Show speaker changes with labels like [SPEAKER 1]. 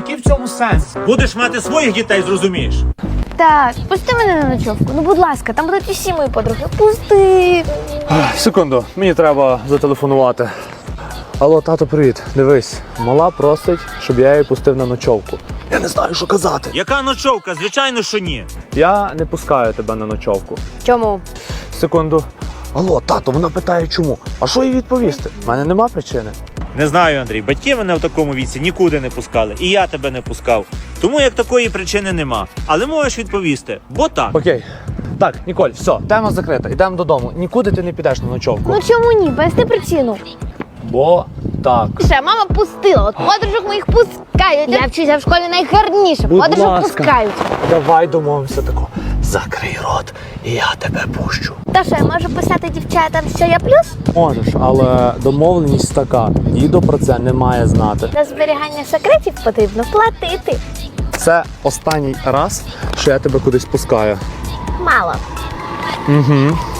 [SPEAKER 1] який в цьому сенс?
[SPEAKER 2] Будеш мати своїх дітей, зрозумієш?
[SPEAKER 3] Так, пусти мене на ночовку. Ну, будь ласка, там будуть усі мої подруги. Пусти.
[SPEAKER 1] Секунду, мені треба зателефонувати. Алло, тато, привіт. Дивись, мала просить, щоб я її пустив на ночовку. Я не знаю, що казати.
[SPEAKER 2] Яка ночовка? Звичайно, що ні.
[SPEAKER 1] Я не пускаю тебе на ночовку.
[SPEAKER 3] Чому?
[SPEAKER 1] Секунду. Алло, тато, вона питає чому. А що їй відповісти? У мене нема причини.
[SPEAKER 2] Не знаю, Андрій, батьки мене в такому віці нікуди не пускали. І я тебе не пускав. Тому як такої причини нема. Але можеш відповісти, бо так.
[SPEAKER 1] Окей. Так, Ніколь, все, тема закрита. Йдемо додому. Нікуди ти не підеш на ночовку.
[SPEAKER 3] Ну чому ні? Поясни причину.
[SPEAKER 1] Бо так.
[SPEAKER 3] Ще мама пустила. От подружок моїх пускають. Я вчуся в школі найгарніше.
[SPEAKER 1] Будь
[SPEAKER 3] Подружок
[SPEAKER 1] ласка.
[SPEAKER 3] пускають.
[SPEAKER 1] Давай домовимося тако. Закрий рот, і я тебе пущу.
[SPEAKER 3] Та що, я можу писати дівчатам, що я плюс?
[SPEAKER 1] Можеш, але домовленість така. Дідо про це не має знати.
[SPEAKER 3] На зберігання секретів потрібно платити.
[SPEAKER 1] Це останній раз, що я тебе кудись пускаю.
[SPEAKER 3] Мало.
[SPEAKER 1] Угу.